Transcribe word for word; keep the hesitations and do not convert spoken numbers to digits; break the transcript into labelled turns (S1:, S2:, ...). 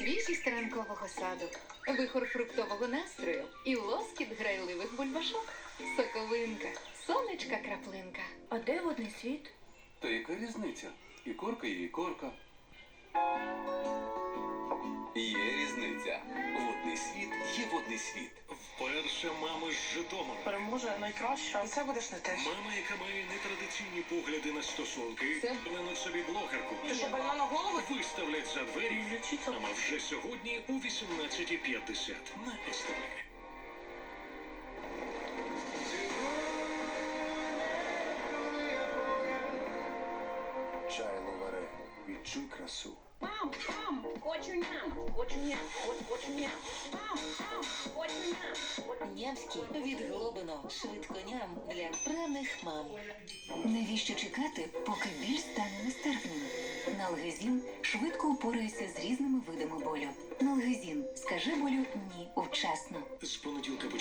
S1: свіжість ранкового саду, вихор фруктового настрою і лоскіт грайливих бульбашок. Соковинка, сонечка краплинка.
S2: А де водний світ?
S3: Та яка різниця? І корка, є і корка. Є різниця. Водний світ є водний світ.
S4: Вперше мама з Житомира.
S2: Переможе найкраща. І це будеш не те.
S4: Мама, яка має нетрадиційні погляди на стосунки,
S1: Це-
S4: впевнену собі блогерку.
S2: Ти що, больна на голову?
S4: Виставлять за двері.
S2: Лічиться.
S4: Мама вже сьогодні у вісімнадцята п'ятдесят на ес те ве.
S5: Чай ловаре, відчуй красу.
S6: Мам, мам, хочу ням, хочу ням, хочу, хочу ням. Мам, мам, хочу ням.
S7: Нямський від Глобино. Швидко ням для вправних мам. Навіщо чекати, поки біль стане нестерпним? Налгезін швидко упорається з різними видами болю. Налгезін. Скажи болю ні вчасно.
S4: З понеділка